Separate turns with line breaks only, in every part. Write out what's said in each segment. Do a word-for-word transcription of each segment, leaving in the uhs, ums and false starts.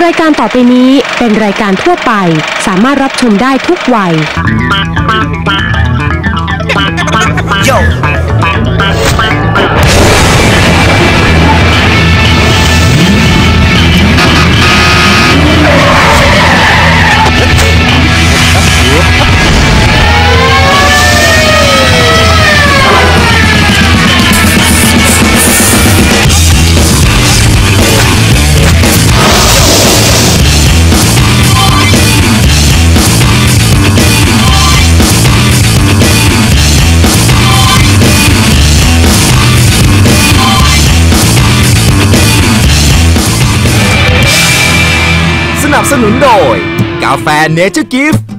รายการต่อไปนี้เป็นรายการทั่วไปสามารถรับชมได้ทุกวัย
สนับสนุนโดยกาแฟเนเจอร์กิฟต์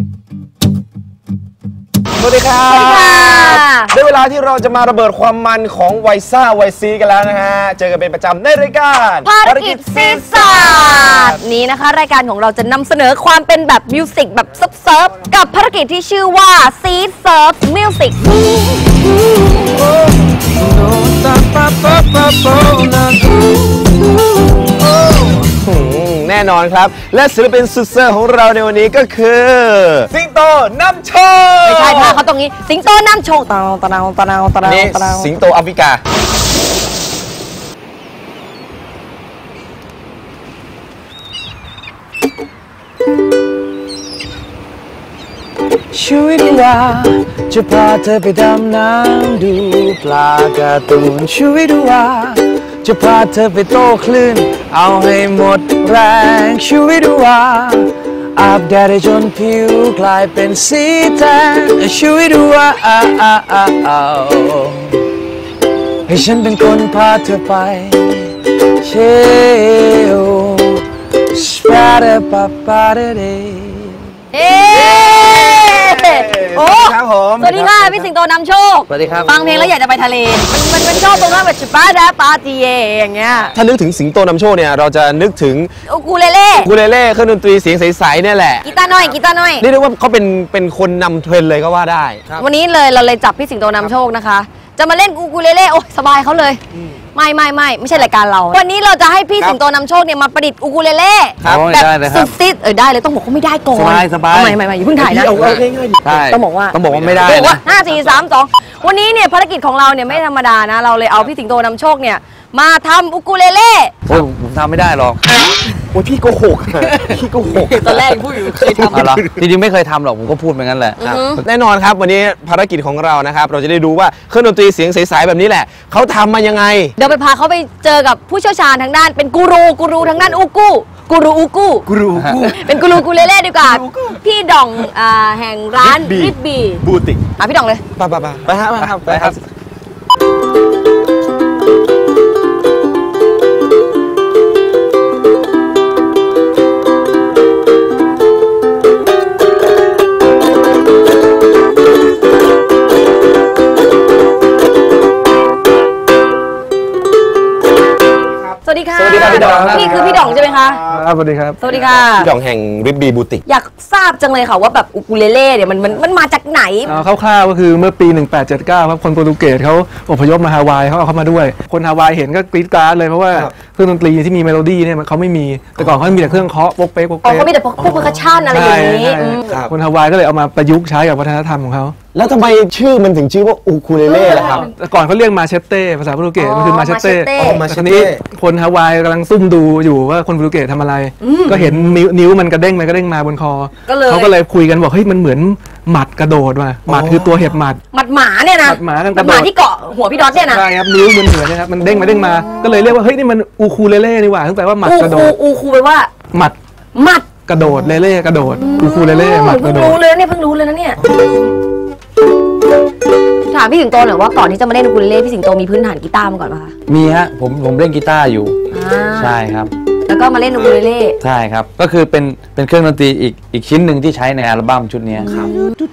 สวัสดีครับได้เวลาที่เราจะมาระเบิดความมันของไวซ่าไวซีกันแล้วนะฮะเจอกันเป็นประจำในรายการ
ภารกิจซีซาร์นี้นะคะรายการของเราจะนำเสนอความเป็นแบบมิวสิกแบบเซิร์ฟๆกับภารกิจที่ชื่อว่าซีเซิร์ฟมิวสิก
แน่นอนครับและศิลปินสุดเซอร์ของเราในวันนี้ก็คือสิงโตนำโชค
ไม่ใช่ค่ะเขาตรงนี้สิงโตนำโชคตะนาวตะนาวตะนาวตะนาว
นี่สิงโตแอฟริกา
ชีวิตว่าจะพาเธอไปดำน้ำดูปลาการ์ตูนชีวิตว่าจะพาเธอไปโต้คลื่นเอาให้หมดแรงชีวิตว่าอาบแดดจนผิวกลายเป็นสีแทนชีวิตว่าให้ฉันเป็นคนพาเธอไปเชลสปาเดปาปาเดเด
เอ๊โอ้
ครับผม
สวัสดีค่ะพี่สิงโตนำโชค
สวัสดีครับ
ฟังเพลงแล้วอยากจะไปทะเลมันมันชอบตรงนั้นแบบชิปาดาปาติเยอย่างเงี้ย
ถ้านึกถึงสิงโตนำโชคเนี่ยเราจะนึกถึง
อูคูเลเล่
อูคูเลเล่เครื่องดนตรีเสียงใสๆเนี่ยแหละ
กีตาร์น้อยกีตาร์น้อย
นี่เรียกว่าเขาเป็นเป็นคนนำเทรนเลยก็ว่าได้
วันนี้เลยเราเลยจับพี่สิงโตนำโชคนะคะจะมาเล่นอูคูเลเล่โอ้สบายเขาเลยไม่ไม่ไม่ไม่ใช่รายการเราวันนี้เราจะให้พี่สิงโตนำโชคเนี่ยมาประดิษฐ์อูคูเลเล่แบบสุดซิดเออได้เลยต้องบอกเขาไม่ได้ก่อน
สบายสบาย
ไม่ไม่ไม่อย่าเพิ่งถ่ายนะต้องบอกว่า
ต้องบอกว่าไม่ได้
นะห้าสี่สามสองวันนี้เนี่ยภารกิจของเราเนี่ยไม่ธรรมดานะเราเลยเอาพี่สิงโตนำโชคเนี่ยมาทำอูคูเลเล่
โอ้ยผมทำไม่ได้หรอก
โอ้ยพี่โกหกพี่โกหก
ตอนแรกพูดอยู่เคยทำ
หรอจริงๆไม่เคยทำหรอกผมก็พูดเหมือนกันแหละ
แน่นอนครับวันนี้ภารกิจของเรานะครับเราจะได้ดูว่าเครื่องดนตรีเสียงใสๆแบบนี้แหละเขาทำมายังไง
เดี๋ยวไปพาเขาไปเจอกับผู้เชี่ยวชาญทางด้านเป็นกูรูกูรูทางด้านอูกูกูรูอูกู
กูรูอูกู
เป็นกูรูกูเลเล่ดีกว่าพี่ดองแห่งร้านริบบี
บูติก
อ่ะพี่ดองเลย
ไปไปไปไปฮะไปครับไปครับ
สวัสดีค่ะสวัสดีครับพี่ดองพี่คือพี่ดองใช่ไหมคะ
ครับสวัสดีครับ
สวัสดีค่ะ
พี่ดองแห่งริบบีบูติก
อยากทราบจังเลยค่ะว่าแบบอูคูเลเล่เนี่ยมันมันมันมาจากไหน
คร่าวๆก็คือเมื่อปีหนึ่งแปดเจ็ดเก้าครับคนโปรตุเกสเขาอพยพมาฮาวายเขาเอาเข้ามาด้วยคนฮาวายเห็นก็กรี๊ดกราดเลยเพราะว่าเครื่องดนตรีที่มีเมโลดี้เนี่ยเขาไม่มีแต่ก่อนเขามีแต่เครื่องเคาะโป๊กเป๊กโป๊กเป๊ก
เขามีแต่พวกเพอร์คัชชั่นอะไรอย่างนี้
คนฮาวายก็เลยเอามาประยุกต์ใช้กับวัฒนธรรมของเขา
แล้วทำไมชื่อมันถึงชื่อว่าอูคูเลเล่ล่ะครับ
ก่อนเขาเรียกมาเชตเต้ภาษาโปรตุเกสมันคือมาเชตเต้ทีนี้คนฮาวายกำลังซุ่มดูอยู่ว่าคนโปรตุเกสทำอะไรก็เห็นนิ้วมันกระเด้งไปกระเด้งมาบนคอเขาก็เลยคุยกันบอกเฮ้ยมันเหมือนหมัดกระโดดว่ะหมัดคือตัวเห็บหมัด
หมัดหมาเนี่ยนะ
หมัดหมากัน
กระโดดหมาที่เกาะหัวพี่ดอทเนี่ยนะ
ใช่ครับนิ้วมันเหมือนนะครับมันเด้งมาเด้งมาก็เลยเรียกว่าเฮ้ยนี่มันอูคูเลเล่นี่หว่าตั้งแต่ว่าหมัดกระโดด
อูคูแปลว่า
หมัด
หมัด
กระโดดเล่เล่กระโดดอูคูเลเล่หมัดกระโดด
เพิ่งรู้เลยเนี่ยเพิ่งรู้เลยนะเนี่ยถามพี่สิงโตหน่อยว่าก่อนที่จะมาเล่นอูคูเลเล่พี่สิงโตมีพื้นฐานกีตาร์มาก่อนป่ะคะ
มีฮะผมผมเล่นกีตาร์อยู่ใช่ครับ
แล้วก็มาเล่นอูคูเลเล่
ใช่ครับก็คือเป็นเป็นเครื่องดนตรีอีกอีกชิ้นหนึ่งที่ใช้ในอัลบั้มชุดนี้ครับ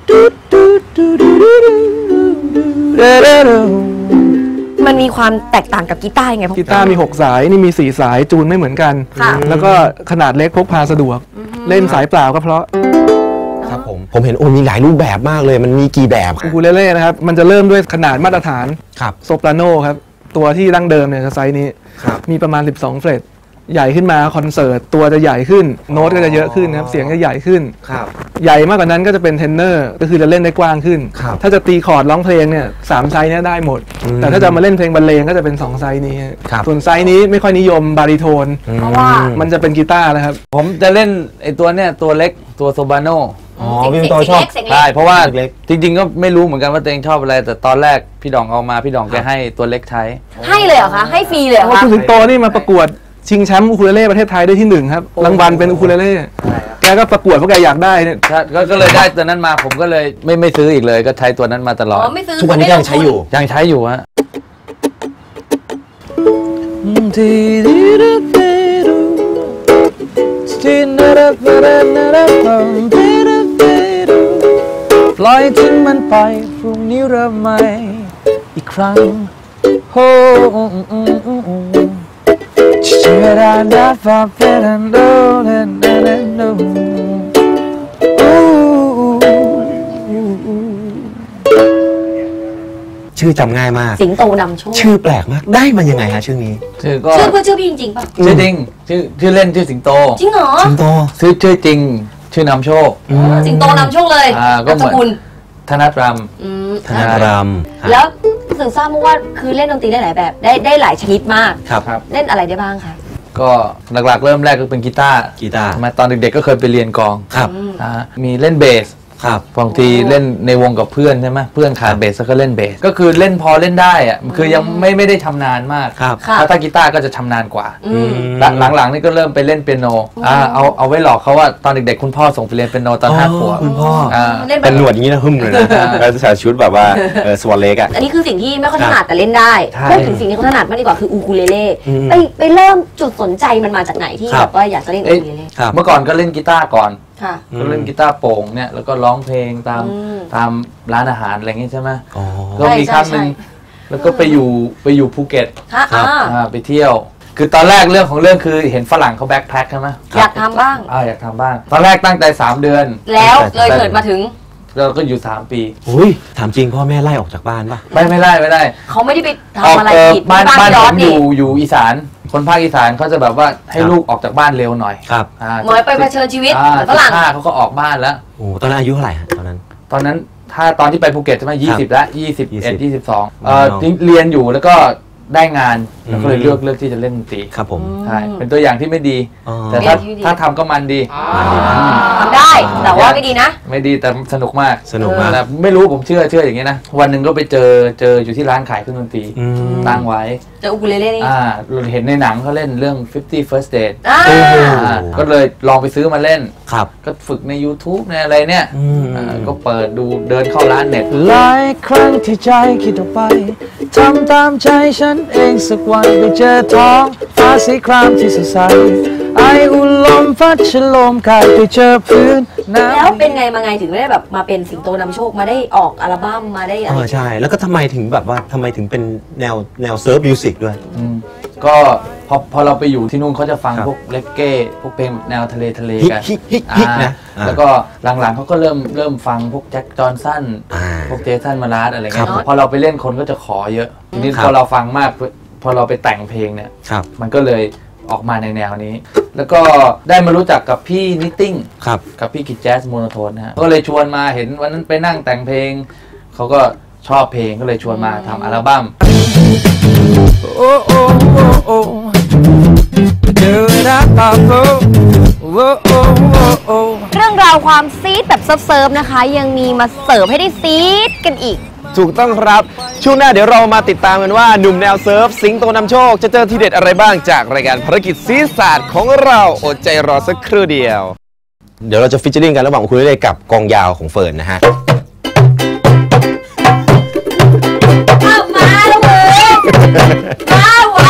มันมีความแตกต่างกับกีตาร์ยังไง
กีตาร์มีหกสายนี่มีสี่สายจูนไม่เหมือนกันแล้วก็ขนาดเล็กพกพาสะดวกเล่นสายเปล่าก็เพราะ
ครับผมผมเห็นโอ้มีหลายรูปแบบมากเลยมันมีกี่แบบ
อูคูเลเล่นะครับมันจะเริ่มด้วยขนาดมาตรฐาน
ครับ
โซปราโนครับตัวที่ดั้งเดิมเนี่ยไซส์นี้มีประมาณสิบสองเฟรตใหญ่ขึ้นมาคอนเสิร์ตตัวจะใหญ่ขึ้นโน้ตก็จะเยอะขึ้นนะครับเสียงจะใหญ่ขึ้น
ครับ
ใหญ่มากกว่านั้นก็จะเป็นเทนเนอร์ก็คือจะเล่นได้กว้างขึ้น
ครับ
ถ้าจะตีคอร์ดร้องเพลงเนี่ยสามไซส์เนี่ยได้หมด
อืม
แต่ถ้าจะมาเล่นเพลงบรรเลงก็จะเป็นสองไซส์นี้
ครับ
ส่วนไซส์นี้ไม่ค่อยนิยมบาริโทน
เพราะว่า
มันจะเป็นกีตาร์แล้วครับ
ผมจะเล่นไอ้ตัวเนี้ยตัวเล็กตัวโซบาโน
อ๋อพี่เป็นตัวชอบ
เสียงเล็
ใช่
ก
เพราะว่า
เล็ก
จริงๆก็ไม่รู้เหมือนกันว่าตัวเองชอบอะไร แต่ตอนแรกพี่ดองเอามาพี่ดองแกให้ตัวเล็กใช้
ให้เลยเหรอคะให้ฟรีเลยเหรอ
เพราะ
คะ
คุณสิงโตนี่มาประกวดชิงแชมป์อูคูเลเล่ประเทศไทยได้ที่หนึ่งครับรางวัลเป็นอูคูเลเล่แกก็ประกวดเพราะแกอยากได้เนี่ย
ก็ก็ก็เลยได้ตัวนั้นมาผมก็เลยไม่ไม่ซื้ออีกเลยก็ใช้ตัวนั้นมาตลอด
อ๋อไม่ซื้อ
ทุกวันนี้ก็ยังใช้อยู่
ยังใช้อยู่ฮะ
ปล่อยทิ้งมันไปพรุ่งนี้เริ่มใหม่อีกครั้งโฮเชื่อได้นะฟ้าเป็นโดนโดนโดน
ชื่อจำง่ายมาก
สิงโตนำโชค
ชื่อแปลกมากได้มายังไงฮะชื่อนี้
ชื่อก็
ชื่อเพื่อชื่อพี่จริงๆป่ะ
ชื่อจริงชื่อชื่อเล่นชื่อสิงโต
จริงเหรอ
สิงโต
ชื่อชื่อจริง ชื่อนำโชค
สิงโตนำโชคเลย
อ่าก็
นาม
เห
ส
มือน
กุล
ธนัทร
อืม
ธนาราม
แล้วสึกทราบมาว่าคือเล่นดนตรีได้หลายแบบได้ได้หลายชนิดมาก
ครับ
ครับ
เล่นอะไรได้บ้างคะ
ก็หลักๆเริ่มแรกก็เป็นกีตาร์
กีตาร์
มาตอนเด็กๆก็เคยไปเรียนกลอง
ครับ
อ่ามีเล่นเบส
ครับ
บางทีเล่นในวงกับเพื่อนใช่ไหมเพื่อนขาดเบสก็เล่นเบสก็คือเล่นพอเล่นได้อะคือยังไม่ไม่ได้ชำนาญมาก
ครับ
ค่ะ
ถ้าถ้ากีตาร์ก็จะชำนาญกว่า
อืม
และหลังๆนี่ก็เริ่มไปเล่นเปียโนอ่าเอาเอาไว้หลอกเขาว่าตอนเด็กๆคุณพ่อส่งไปเรียนเปียโนตอนห้าขวบ
คุณพ่อ
อ่า
เล่นแบ
เป็น
บ
หนวดอย่างนี้นะหึ่มเลยนะแล้วใส่ชุดแบบว่าเออสวอตเล็กอะ
อันนี้คือสิ่งที่ไม่ค่อยถนัดแต่เล่นได้
ใช่
พูดถึงสิ่งที่เขาถนัดมากดีกว่าคืออูคูเลเล่
อืม
ไปไปเริ่มจุดสนใจมันมาจากไหนที่
ครับ
แบบว่าอยากจะเล่นอู
เอ้ย
คูเลเล่
ครับ
เมื่อก่อนก็เล่นกีตาร์ก่อน
ค่ะ
ก็เล่นกีตาร์โปร่งเนี่ยแล้วก็ร้องเพลงตาม
อืม
ตามร้านอาหารอะไรอย่างงี้ใช่ไหม
อ๋อ
ก็มีครั้งหนึ่ง
ใช่
แล้วก็ไปอยู่ไปอยู่ภูเก็ต
ค่ะ
ครับ
อ่า
อ่าไปเที่ยว คือตอนแรกเรื่องของเรื่องคือเห็นฝรั่งเขาแบ็คแพ็คใช่ไหม
อยากทำบ้าง
อ่าอยากทำบ้าง ตอนแรกตั้งใจสามเดือน
แล้วเลยเกิดมาถึง
เราก็อยู่สามปี
อุ้ยถามจริงพ่อแม่ไล่ออกจากบ้านป่ะ
ไม่ไม่ได้ไม่ได้
เขาไม่ได้ไป
ออก
ทำอะไร
เออ
ผิด
บ้านบ้าน
ย้
ผ
อน
มอ
นี่
ยู่อยู่อีสาน คนภาคอีสานเขาจะแบบว่าให้
ครับ
ลูกออกจากบ้านเร็วหน่อย
ครับ
อ่า
เหมือนไปเผชิญชีวิต
อ่า
เหมือนฝรั่ง
สิบห้าเขาก็ออกบ้านแล้ว
โอ้ตอนนั้นอายุเท่าไหร่ฮะตอนนั้น
ตอนนั้นถ้าตอนที่ไปภูเก็ตใช่ไหมยี่สิบแล้วยี่สิบเอ็ด
ยี่
ยี่
สิ
สิ
บบ
สอง
ว้าว
เรียนอยู่แล้วก็ได้งานแล้วก็เลย
อืม
เลือกเลือกที่จะเล่นดนตรี
ครับผม
ใช่เป็นตัวอย่างที่ไม่ดี
อ๋อ
แต่ถ้า
เรียนที่ดี
ถ้าทำก็มันดี
ทำได้แต่ว่าไม่ดีนะ
ไม่ดีแต่สนุกมาก
สนุกมาก
แต่ไม่รู้ผมเชื่อเชื่ออย่างนี้นะ วันหนึ่งก็ไปเจอเจออยู่ที่ร้านขายเครื่องดนตรี
อืม
ตั้งไว้
เจออูคูเลเล่นี่
อ่าเราเห็นในหนังเขาเล่นเรื่องfifty first date
อ่า
โอ้โห
อ่าก็เลยลองไปซื้อมาเล่น
ครับ
ก็ฝึกใน YouTube ในอะไรเนี่ย
อืม
อ่าก็เปิดดูเดินเข้าร้านเน็ต
หลายครั้งที่ใจคิดออกไปทำตามใจฉันเองสักวันไปเจอท้องฟ้าสีครามที่สดใสไออุ่นลมพัดฉลมกายไปเจอพื้นน้ำ
แล้วเป็นไงมาไงถึงไม่ได้แบบมาเป็นสิงโตนำโชคมาได้ออกอัลบั้มมาได้อะ
เอ
ไร
อใช่ แล้วก็ทำไมถึงแบบว่าทำไมถึงเป็นแนวแนวเซิร์ฟมิวสิกด้วย
อืมก็พอพอเราไปอยู่ที่นู่นเขาจะฟัง
ครับ
พวกเลกเก้พวกเพลงแนวทะเลทะเล
ฮิก
กัน
ฮิกฮิกฮิก
อ่า
นะอ่า
แล้วก็หลังๆเขาก็เริ่มเริ่มฟังพวกแจ็คจอห์นสัน
อ่า
พวกเจสันมาราสอะไรเงี้ย
ครับ
พอเราไปเล่นคนก็จะขอเยอะทีนี้
ครับ
พอเราฟังมากพอเราไปแต่งเพลงเนี่ย
ครับ
มันก็เลยออกมาในแนวนี้ แล้วก็ได้มารู้จักกับพี่นิตติ้ง
ครับ
กับพี่กิจแจ๊สโมโนโทนนะฮะก็เลยชวนมาเห็นวันนั้นไปนั่งแต่งเพลงเขาก็ชอบเพลงก็เลยชวนมาทำอัลบั้ม
โอ้โอ้โอ้โอ้เจอรักกับโอ้โอ้โอ้โอ้
เรื่องราวความซีดแบบเซิร์ฟๆนะคะ ยังมีมาเสิร์ฟให้ได้ซีดกันอีก
ถูกต้องครับ ช่วงหน้าเดี๋ยวเรามาติดตามกันว่าหนุ่มแนวเซิร์ฟสิงโตนำโชค จะเจอทีเด็ดอะไรบ้างจากรายการภารกิจซีศาสตร์ของเราอดใจรอสักครู่เดียว เดี๋ยวเราจะฟิชเชอริงกันระหว่างคุณเล่กับกองยาวของเฟิร์นนะฮะ
อ้าวมาแล้วเว้ยมาว่ะ